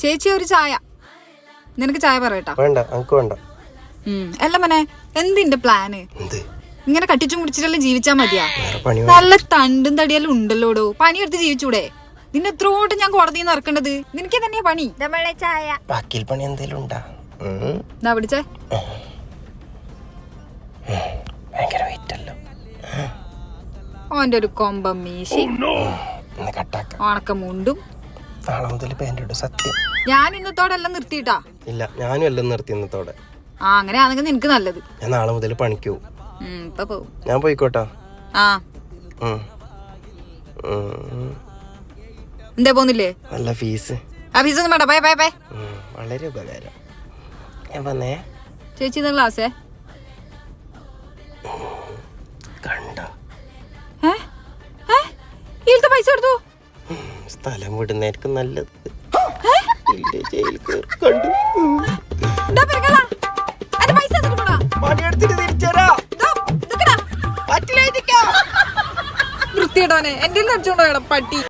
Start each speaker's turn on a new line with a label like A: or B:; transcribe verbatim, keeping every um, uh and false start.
A: ചേച്ചി ഒരു ചായ. നിനക്ക് ചായ പറയട്ടാ?
B: വേണ്ട, നമുക്ക് വേണ്ട.
A: അല്ല മനെ, എന്തിന്റെ പ്ലാന്? ഇങ്ങനെ കട്ടിച്ചും കുടിച്ചിട്ടെല്ലാം ജീവിച്ചാ മതിയാ?
B: പണി
A: നല്ല തണ്ടും തടിയെല്ലാം ഉണ്ടല്ലോടോ, പണിയെടുത്ത് ജീവിച്ചൂടെ? നിന്നെ എത്രോട്ട് ഞാൻ കോടതിയിൽ നിന്ന് ഇറക്കേണ്ടത്? നിനക്ക് തന്നെയാ പണി.
B: ചായ ബാക്കിയിൽ പണി എന്തേലും ഉണ്ടാ?
A: എന്നാ പിടിച്ചേ.
B: ഭയങ്കര വെയിറ്റ് അല്ലോ.
A: ഓന്റെ ഒരു കൊമ്പം മീശി, ഉണക്കമുണ്ടും.
B: നാളെ മുതൽ പാന്റ് ഇടും, സത്യം.
A: ഞാൻ ഇന്നത്തോടെ എല്ലാം നിർത്തിയിട്ടാ?
B: ഇല്ല, ഞാനും എല്ലാം നിർത്തി ഇന്നത്തോടെ.
A: ആ, അങ്ങനെ ആണെങ്കിൽ നിനക്ക് നല്ലത്.
B: ഞാൻ നാളെ മുതൽ പണിക്ക് പോവും.
A: ഇപ്പൊ പോവും.
B: ഞാൻ പോയിക്കോട്ടാ.
A: ആ, എന്താ പോന്നില്ലേ?
B: നല്ല ഫീസ്.
A: ആ ഫീസ് ഒന്നും വേണ്ട, ബൈ ബൈ ബൈ.
B: വളരെ ഉപകാരം. ഞാൻ വന്നേ.
A: ചേച്ചി ക്ലാസ്സേ
B: കണ്ടോ?
A: ഇതിലത്തെ പൈസ എടുത്തു.
B: സ്ഥലം വിടുന്നായിരിക്കും നല്ലത്. ജയിൽ കണ്ടു.
A: വൃത്തിയിടാനെ എന്റെ അടിച്ചോണ്ടോ പട്ടി.